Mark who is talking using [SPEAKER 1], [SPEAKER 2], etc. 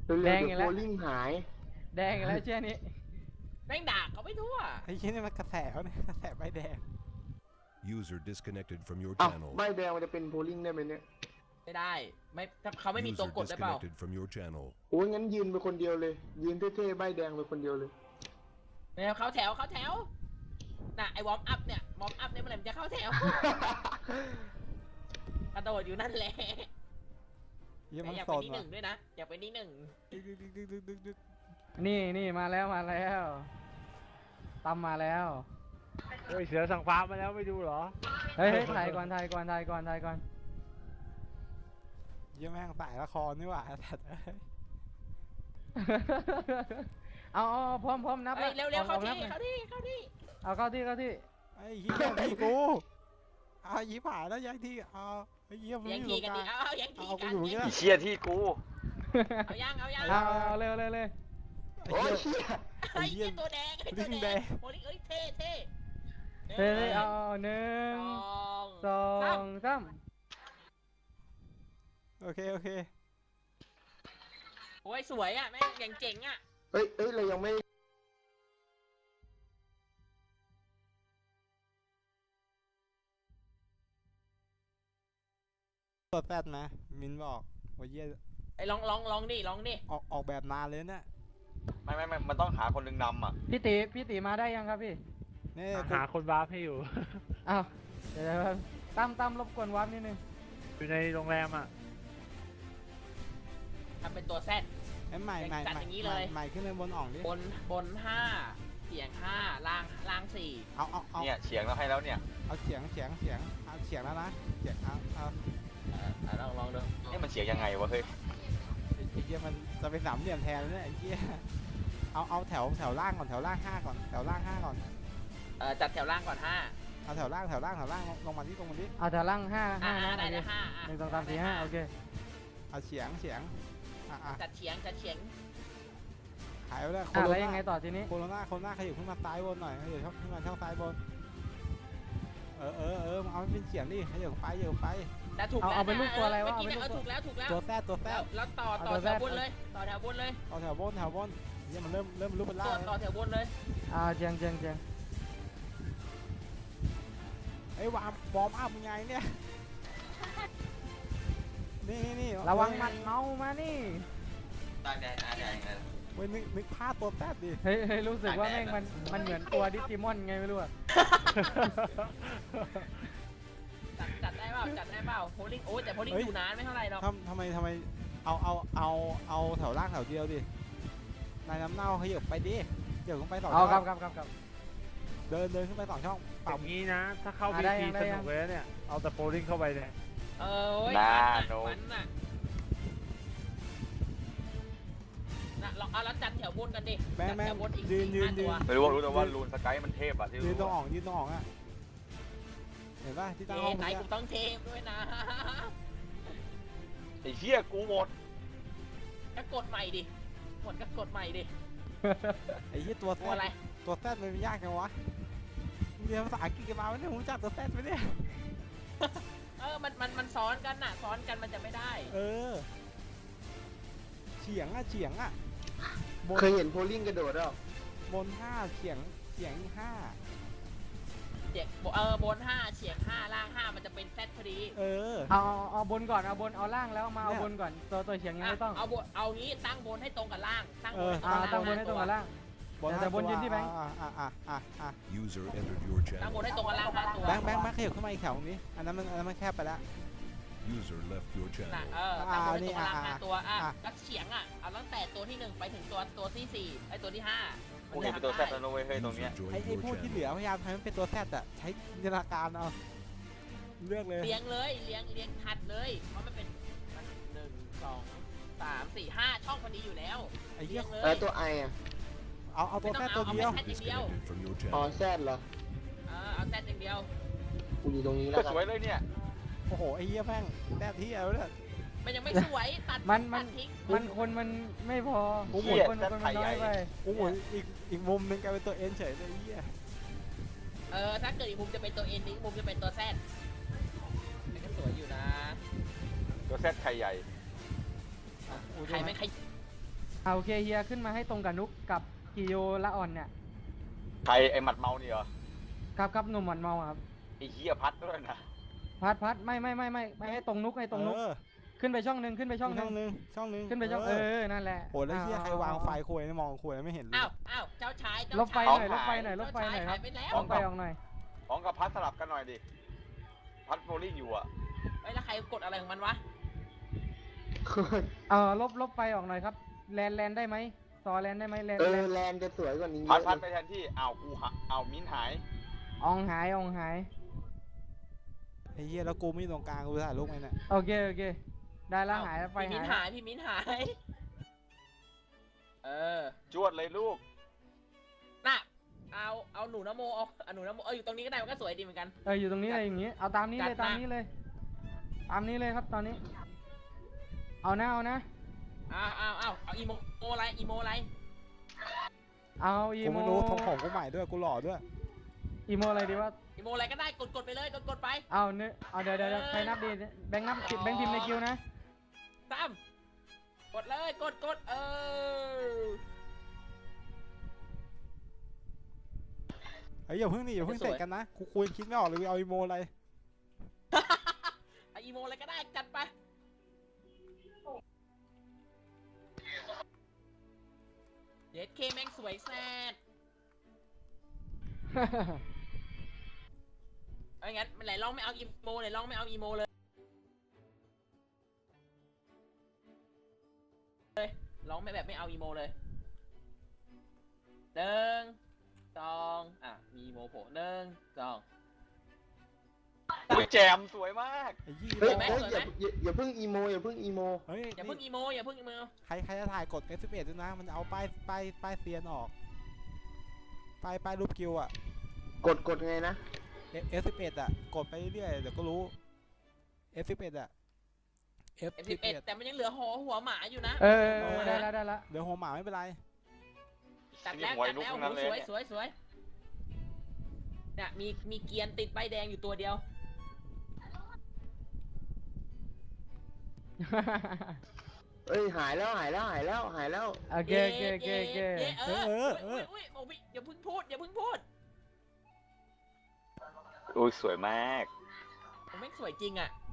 [SPEAKER 1] เร็วๆ
[SPEAKER 2] แดง
[SPEAKER 1] เดี๋
[SPEAKER 2] อี
[SPEAKER 1] ยว
[SPEAKER 2] กแล้ว
[SPEAKER 1] โบลิ่งหาย
[SPEAKER 2] แดงอีกแล้วเชื่อนี้
[SPEAKER 3] แม่งด่าเขาไม่ทั่ว
[SPEAKER 4] ไอ้เหี้ยนี่มันกระแสวะเนี่ยกระแสใบแดง
[SPEAKER 5] User disconnected from your
[SPEAKER 1] อ้าว
[SPEAKER 5] channel.
[SPEAKER 1] ใบแดงมันจะเป็นโบลิ่งได้ไหมเนี่ย
[SPEAKER 3] ไม่ได้ไม่ถ้าเขาไม่มีตัว
[SPEAKER 5] User
[SPEAKER 3] กดได้เปล่า
[SPEAKER 5] disconnected from your channel.
[SPEAKER 1] โอ้ยงั้นยืนไปคนเดียวเลย ยืนเท่ๆใบแดงไปคนเดียวเลย
[SPEAKER 3] ไม่เอาเข้าแถวน่ะไอ้วอร์มอัพเนี่ยวอร์มอัพเนี่ยเมื่อไหร่มันจะเข้าแถว กระโดดอยู่นั่นแหละ
[SPEAKER 4] เหี้ย
[SPEAKER 3] แต่
[SPEAKER 4] มัน
[SPEAKER 3] อยาก
[SPEAKER 4] โซ
[SPEAKER 3] เป็น
[SPEAKER 4] น
[SPEAKER 3] ที่ห
[SPEAKER 4] ว่ะ
[SPEAKER 3] นึ่งด้วยนะอยากเป็นที่หนึ่ง
[SPEAKER 4] ดึก
[SPEAKER 2] นี่มาแล้วตั้มมาแล้ว
[SPEAKER 6] โอ้ยเสือสั่งฟ้ามาแล้วไม่ดูเหรอ
[SPEAKER 2] เฮ้ยถ่ายก่อน
[SPEAKER 4] เหี้ยแม่งสายละครนี่หว่าแต่เอ้ย
[SPEAKER 2] เอาพร้อมนับ
[SPEAKER 3] เฮ้ยเร็วๆเข้า
[SPEAKER 2] นั
[SPEAKER 3] ที่
[SPEAKER 2] บ
[SPEAKER 3] เข้าที่เข้าที่
[SPEAKER 2] เอาเข้าที่
[SPEAKER 4] ไอ้เหี้ยที่กูเอายีผ่านแล้วย้ายที่เอาไอ้เหี้ยมัน
[SPEAKER 3] แย่ง
[SPEAKER 4] อยู่
[SPEAKER 3] ที
[SPEAKER 4] ตรง
[SPEAKER 3] กัน
[SPEAKER 4] ก
[SPEAKER 3] ดิ
[SPEAKER 4] ลาง
[SPEAKER 3] เอาแย่งที
[SPEAKER 4] เอา
[SPEAKER 3] กั
[SPEAKER 4] กู
[SPEAKER 3] น
[SPEAKER 4] อยู่
[SPEAKER 3] แย่
[SPEAKER 4] เนี่ย
[SPEAKER 3] ง
[SPEAKER 7] เชี่ยที่กู
[SPEAKER 3] เอาย่าง
[SPEAKER 2] เอาเลย
[SPEAKER 1] โอ้ยเชี่ย
[SPEAKER 3] ไอ้เหี้ยตัวแดงไอ้ตัวแดงโอ้ยเอ้ยเท่
[SPEAKER 2] เฮ้ยเอาหนึ่ง
[SPEAKER 3] สอง
[SPEAKER 2] สองสาม
[SPEAKER 4] โอเค
[SPEAKER 3] โอ้ยสวยอ่ะแม่งอย่างเจ๋งอ่ะ
[SPEAKER 1] เอ้ยเรายังไม่
[SPEAKER 4] ตัวแปดนะมินบอกว่าเหี้ย
[SPEAKER 3] ไอ้ลองดิ
[SPEAKER 4] ออกแบบนานเลยเนี่ย
[SPEAKER 7] ไม่มันต้องหาคนหนึ่งนำอ่ะ
[SPEAKER 2] พี่ตีมาได้ยังครับพี่
[SPEAKER 4] นี่
[SPEAKER 6] หาคนวาร์ปให้อยู่
[SPEAKER 2] อ้าวเดี๋ยวตั้มรบกวนวับนิดนึง
[SPEAKER 6] อยู่ในโรงแรมอ่ะ
[SPEAKER 3] ทำเป็นตัวแซด
[SPEAKER 4] ไอ้ใหม่
[SPEAKER 3] จัดอย่างนี้เลย
[SPEAKER 4] ใหม่ขึ้นเลยบนอ่องดิ
[SPEAKER 3] บนห้าเสียงห้าล่างสี่
[SPEAKER 4] เอา
[SPEAKER 7] เนี่ยเฉียงเราให้แล้วเนี่ย
[SPEAKER 4] เอาเสียงเอาเสียงแล้วนะเสียงเอา
[SPEAKER 3] ลองดู
[SPEAKER 7] นี่มันเฉียงยังไงวะเฮ้ย
[SPEAKER 4] ไอ้เหี้ยมันจะเป็นสามเหลี่ยมแทนแล้วเนี่ยไอ้เหี้ยเอาแถวล่างก่อนแถวล่าง5ก่อนแถวล่าง5ก่อน
[SPEAKER 3] จัดแถวล่างก่อนห้า
[SPEAKER 4] เอาแถวล่างลงมาที่
[SPEAKER 2] เอาแต่ล่างห้านะ
[SPEAKER 3] ได้
[SPEAKER 2] โอเค
[SPEAKER 3] ได้ห้า
[SPEAKER 2] หนึ่งสองสามสี่ห้าโอเค
[SPEAKER 4] เอาเฉียงอ่ะ
[SPEAKER 3] จัดเฉียง
[SPEAKER 4] หายไปแล้ว
[SPEAKER 2] แล้วยังไงต่อทีนี้
[SPEAKER 4] โคโรนาขยับขึ้นมาซ้ายบนหน่อยขยับขึ้นมาช่องซ้ายบนมึงเอาให้เป็นเฉียงดิขยับไป
[SPEAKER 3] แล้วถูก
[SPEAKER 2] เอาเป็นลูกตัวอะไรวะ
[SPEAKER 3] เมื่อกี้
[SPEAKER 2] เอาเป็นลูก
[SPEAKER 3] ถูกแล้ว
[SPEAKER 4] ตัวแซด
[SPEAKER 3] แล้วต่อแถวบนเลยต่อแถวบนเลย
[SPEAKER 4] เอาแถวบนเนี่ยมันเริ่มรูปเป็นล่าง
[SPEAKER 3] ต่อแถวบนเลย
[SPEAKER 2] เจียง
[SPEAKER 4] ไอ้วามบอมอัพไงเนี่ยนี่
[SPEAKER 2] ระวังหมัดเมามานี่
[SPEAKER 7] ตาแดงเลย
[SPEAKER 4] เว้ยนึกภาพตัวแซดดิ
[SPEAKER 2] เฮ้ยรู้สึกว่าแม่งมันเหมือนตัวดิจิมอนไงไม่รู้อะ
[SPEAKER 3] จัดได้เปล่าโพลิ่งโอ้แต่โพลิ่งอยู่นานไม่เท่าไหร่หรอก
[SPEAKER 4] ทำไมเอาแถวล่างแถวเดียวดินายน้ำเน่าขยับไปดิเดี๋ยวขึ้นไป2ช่
[SPEAKER 2] เอา
[SPEAKER 4] อง
[SPEAKER 2] ครับ
[SPEAKER 4] เดินขึ้นไป2ช่อง
[SPEAKER 6] แบ
[SPEAKER 4] ปรับบ
[SPEAKER 6] นี้นะ ถ้าเข้า
[SPEAKER 2] อ่ะ
[SPEAKER 6] บี
[SPEAKER 2] ได้
[SPEAKER 6] ที
[SPEAKER 2] ยังได้
[SPEAKER 6] ส
[SPEAKER 2] ยัง
[SPEAKER 6] นุกเลยนะเนี่ย เอาแต่โปรลิงเข้าไปเนี่ย
[SPEAKER 3] มันน่ะลองเอาแล้วจัดแถวบนกันดิ
[SPEAKER 4] แม่ง
[SPEAKER 3] แถวบนอีก
[SPEAKER 4] ยืน
[SPEAKER 3] ตัว
[SPEAKER 7] ไม่รู้แต่ว่ารูนสกายมันเทพอ่ะที่
[SPEAKER 4] ยืนตรง
[SPEAKER 7] รู้
[SPEAKER 4] อ่องอ่ะเห็นป่ะที่ตั้งห้อง
[SPEAKER 3] ไหน
[SPEAKER 4] เมื่อ
[SPEAKER 3] กู
[SPEAKER 4] กี้
[SPEAKER 3] ต้องเทปด้วยนะ
[SPEAKER 7] ไอ้เชี่ยกูหมด
[SPEAKER 3] ก็กดใหม่ดิหมดก็กดใหม่ดิ
[SPEAKER 4] ไอ้เหี้ยตัวแซ
[SPEAKER 3] ตัวอะไร
[SPEAKER 4] ดมันยากจังวะเรียนภาษาอังกฤษกันมาไม่ได้ผมจับตัวแซดไปเนี่ย
[SPEAKER 3] มันซ้อนกันน่ะซ้อนกันมันจะไม่ได้
[SPEAKER 4] เฉียงอ่ะบน
[SPEAKER 1] เคยเห็นโบลิ่งกระโดดหรอบ
[SPEAKER 4] 5เฉียงอีก5
[SPEAKER 3] เฉียงบนห้าเฉียงห้าล่างห้ามันจะเป็นแซดพอดี
[SPEAKER 2] เอาบนก่อนเอาล่างแล้วมาเอาบนก่อนตัวเฉียงยังไม่ต้อง
[SPEAKER 3] เอางี้ตั้งบนให้ตรงกับล่างตั้งบน
[SPEAKER 2] ตั้งบนให้ตรงกับล่าง แต่บนยืนที่แบงค์
[SPEAKER 5] User entered your
[SPEAKER 3] ตั้งบน
[SPEAKER 5] channel.
[SPEAKER 3] ให้ตรงกับล่างห้าตัว
[SPEAKER 4] แบงค์ขยับขึ้นมาอีกแถวนี้อันนั้นมันแคบไปแล้ว
[SPEAKER 5] User left your
[SPEAKER 3] น่ะ
[SPEAKER 5] channel.
[SPEAKER 3] ตั้งบนให้ตรงกับล่างห้าตัวแล้วเฉียงเอาตั้งแต่ตัวที่1ไปถึงตัวที่4ไอ้ตัวที่5
[SPEAKER 7] กูเห็นเป็นตัวแซดแล้วนะเว้ยเฮ้ยตรงเนี้ย
[SPEAKER 5] User
[SPEAKER 4] ไอ้
[SPEAKER 5] joined your
[SPEAKER 4] พวกที่เหลือ
[SPEAKER 5] channel.
[SPEAKER 4] พยายามทำให้มันเป็นตัวแซดอะใช้จินตนาการเอาเลือกเลย
[SPEAKER 3] เลี้ยงเลยเลี้ยงถัดเลยเพราะมันเป็น1 2 3 4 5ช่องพอดีอยู่แล้ว
[SPEAKER 4] ไอ้เหี้ย
[SPEAKER 3] เลย
[SPEAKER 1] แล้วตัวไออ่ะ
[SPEAKER 4] เอาตัวแซดตัวเดียว
[SPEAKER 5] Disconnected from your
[SPEAKER 1] อ๋อ
[SPEAKER 5] channel.
[SPEAKER 1] แซดเหรอ
[SPEAKER 3] เอาแซดอย่างเดียว
[SPEAKER 1] กูอยู่ตรงนี้แล้
[SPEAKER 7] ก็
[SPEAKER 1] วกั
[SPEAKER 7] ส
[SPEAKER 1] น
[SPEAKER 7] วยเลยเนี่ย
[SPEAKER 4] โอ้โหไอ้เหี้ยแม่งแซดที่เอาเนี่ย
[SPEAKER 3] มันยังไม่สวยตัด
[SPEAKER 2] มัน
[SPEAKER 3] ทิ้ง
[SPEAKER 2] มันไม่พอ
[SPEAKER 4] กูหมุ
[SPEAKER 7] เหี้
[SPEAKER 4] น
[SPEAKER 7] ย
[SPEAKER 2] คน
[SPEAKER 7] แซด
[SPEAKER 2] มัน
[SPEAKER 7] ไทย
[SPEAKER 2] น้
[SPEAKER 7] ให
[SPEAKER 2] อ
[SPEAKER 7] ญ่
[SPEAKER 2] ยไป
[SPEAKER 4] กูหมุนอีกมุมหนึงกลายเป็นตัวเอ็นเฉยเลยไอ้เหี้ย
[SPEAKER 3] ถ้าเกิดอีกมุมจะเป็นตัวเอ็นอีกมุมจะเป็นตัวแซดมันก็สวยอยู่นะ
[SPEAKER 7] ตัวแซดไข่ใหญ่
[SPEAKER 3] ใครไม่ใคร
[SPEAKER 2] เอาโอเคเฮียขึ้นมาให้ตรงกับนุกกับกิโยละอ่อนเนี่ย
[SPEAKER 7] ใครไอ้หมัดเมานี่เหรอ
[SPEAKER 2] ครับหนุ่มหมันเมาอะครับ
[SPEAKER 7] ไอ้เหี้ยพัดด้วยนะ
[SPEAKER 2] พัดไม่ให้ตรงนุกให้ตรงนุก
[SPEAKER 4] เออ
[SPEAKER 2] ขึ้นไปช่องหนึ่งขึ้นไปช่องห
[SPEAKER 4] ช่
[SPEAKER 2] นึ่
[SPEAKER 4] อง งหนึงช่องหนึง
[SPEAKER 2] ขึ้นไปช่องนั่นแหละ
[SPEAKER 4] โหแล้วเหี้ยใครวางไฟคุยไม่มองคุยไม่เห็นเลย
[SPEAKER 3] อ้าวเจ้าชายเจ้า
[SPEAKER 2] ลบไฟ
[SPEAKER 3] ชาย
[SPEAKER 2] หน่อยลบไฟหน่อยลบไฟหน่อยครับ
[SPEAKER 3] เจ้าชายหายไปแล้ว
[SPEAKER 2] ลบไฟออกหน่อย
[SPEAKER 7] ของกับพัดสลับกันหน่อยดิ พัดโบลิ่งอยู่อ่ะ
[SPEAKER 3] เฮ้ยแล้วใครกดอะไรของมันวะ
[SPEAKER 2] ลบไฟออกหน่อยครับแลนได้ไหมซอแลนได้ไหมแลน
[SPEAKER 1] แลนจะสวยกว่านี้เย
[SPEAKER 7] พัด
[SPEAKER 1] อะ
[SPEAKER 7] พัด
[SPEAKER 1] เล
[SPEAKER 7] ไป
[SPEAKER 1] ย
[SPEAKER 7] แทนที่อ้าวกูหาอ้าวมิ้นหาย
[SPEAKER 2] อองหาย
[SPEAKER 4] ไอ้เหี้ยแล้วกูไม่อยู่ตรงกลางกูถ่ายรูปไงเนี่ย
[SPEAKER 2] โอเคได้แล้วหายแล้วไฟ
[SPEAKER 3] พี่มิ้น
[SPEAKER 2] หาย
[SPEAKER 3] หายพี่มิ้นหาย
[SPEAKER 7] จวดเลยลูก
[SPEAKER 3] น่ะเอาหนูนโมเอาหนูนโมอยู่ตรงนี้ก็ได้มันก็สวยดีเหมือนกัน
[SPEAKER 2] อยู่ตรงนี้เลยอย่างงี้เอาตามนี้เลย
[SPEAKER 3] จัด
[SPEAKER 2] ตาม
[SPEAKER 3] มา
[SPEAKER 2] นี้เลยตามนี้เลยครับตอนนี้ เอานะ
[SPEAKER 3] เอาอีโมอะไร
[SPEAKER 2] เอาอี
[SPEAKER 4] กู
[SPEAKER 2] โม
[SPEAKER 4] ไม่รู้ทรงผมกูใหม่ด้วยกูหล่อด้วย
[SPEAKER 2] อีโมอะไรดีว่า
[SPEAKER 3] อีโมอะไรก็ได้กดไปเลยกดไป
[SPEAKER 2] เอาเนื้อเอาเดี๋ยวใครนับดีแบงค์นับแบงค์พิมพ์ในคิวนะ
[SPEAKER 3] กดเลยกด
[SPEAKER 4] เฮ้ยอย่าเพิ่งนี่อย่าเพิ่ง
[SPEAKER 3] จะสวย
[SPEAKER 4] เตะกันนะกูคุยคิดไม่ออกเลยเอาอีโมอะไร
[SPEAKER 3] เอาอีโมอะไรก็ได้จัดไปเด็ดเคแม่งสวยแซ่ดเอางั้นไหนลองไม่เอาอีโมไหนลองไม่เอาอีโมเลยลองไม่แบบไม่เอาอีโมเลย1 2มีอีโมโผล่1 2
[SPEAKER 7] อุ้ยแจมสวยมาก
[SPEAKER 4] ไอ้ยี่
[SPEAKER 1] เฮ้ย
[SPEAKER 3] ไหม
[SPEAKER 1] อย่าเพิ่งอีโมอย่าเพิ่งอีโม
[SPEAKER 4] เฮ้ย
[SPEAKER 3] อย่าเพิ่งอีโม
[SPEAKER 4] ใครจะถ่ายกด F11 ด้วยนะมันจะเอาป้ายเซียนออกป้ายรูปกิวอ่ะ
[SPEAKER 1] กดไงนะ
[SPEAKER 4] F11 อ่ะกดไปเรื่อยๆเดี๋ยวก็รู้ F11 อ่ะ
[SPEAKER 3] F11 แต่มันยังเหลือหัวหมาอยู่นะ
[SPEAKER 2] ได้ละ
[SPEAKER 4] เดี๋ยวหัวหมาไม่เป็นไร
[SPEAKER 3] ตัดแล้วโอ้สวยเนี่ยมีเกียร์ติดใบแดงอยู่ตัวเดียว
[SPEAKER 1] เอ้ยหายแล้ว
[SPEAKER 2] โอเค
[SPEAKER 3] อุ้ยอย่าเพิ่งพูด
[SPEAKER 7] อุ้ยสวยมาก
[SPEAKER 3] ผมไม่สวยจริงอ่ะ